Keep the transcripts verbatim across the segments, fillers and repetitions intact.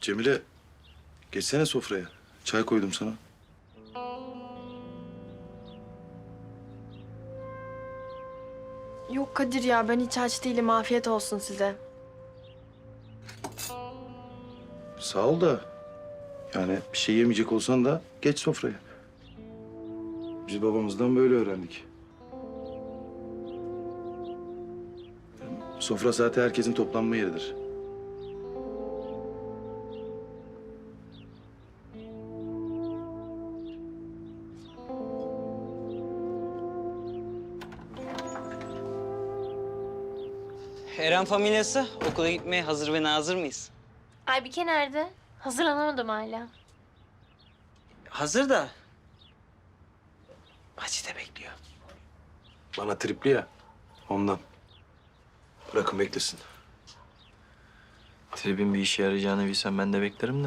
Cemile, geçsene sofraya. Çay koydum sana. Yok Kadir ya, ben hiç aç değilim. Afiyet olsun size. Sağ ol da yani bir şey yemeyecek olsan da geç sofraya. Biz babamızdan böyle öğrendik. Sofra saati herkesin toplanma yeridir. Eren familyası okula gitmeye hazır ve nazır mıyız? Aybike nerede? Hazırlanamadım hala. Hazır da. Macide bekliyor. Bana tripli ya, ondan. Bırakın beklesin. Tribin bir işe yarayacağını bilsem ben de beklerim de.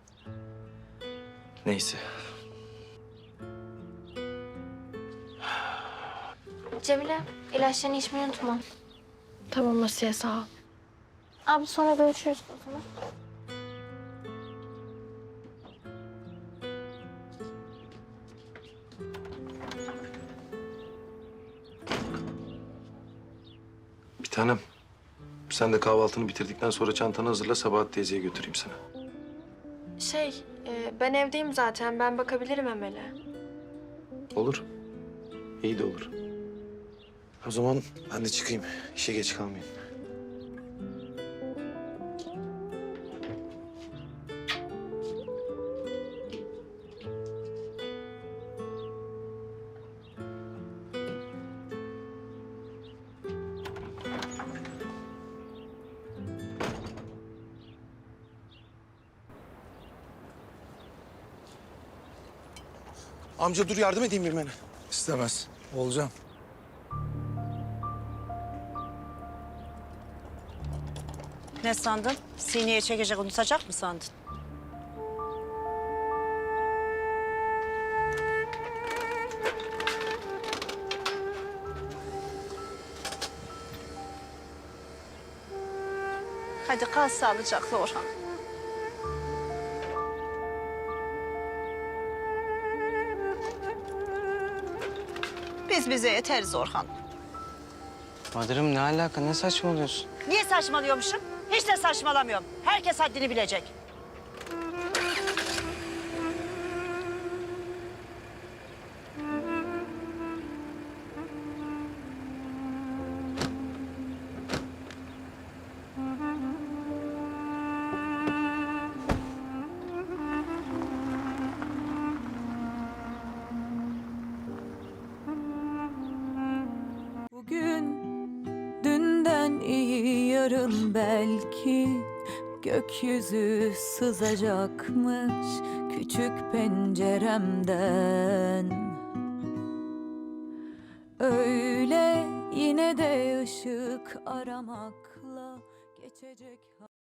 Neyse. Cemile, ilaçlarını içmeyi unutma. Tamam Asiye, sağ ol. Abi sonra görüşürüz o zaman. Bir tanem, sen de kahvaltını bitirdikten sonra çantanı hazırla, Sabahat teyzeye götüreyim seni. Şey, e, ben evdeyim zaten. Ben bakabilirim Emel'e. Olur. İyi de olur. O zaman ben de çıkayım. İşe geç kalmayayım. Amca dur yardım edeyim bilmene. İstemez. Olacağım. Ne sandın? Sineye çekecek, unutacak mı sandın? Hadi kal sağlıcakla Orhan. Biz bize yeteriz Orhan. Madırım ne alaka? Ne saçmalıyorsun? Niye saçmalıyormuşum? Hiç de saçmalamıyorum. Herkes haddini bilecek. Bugün dünden iyi, yarın belki gökyüzü sızacakmış küçük penceremden. Öyle yine de ışık aramakla geçecek.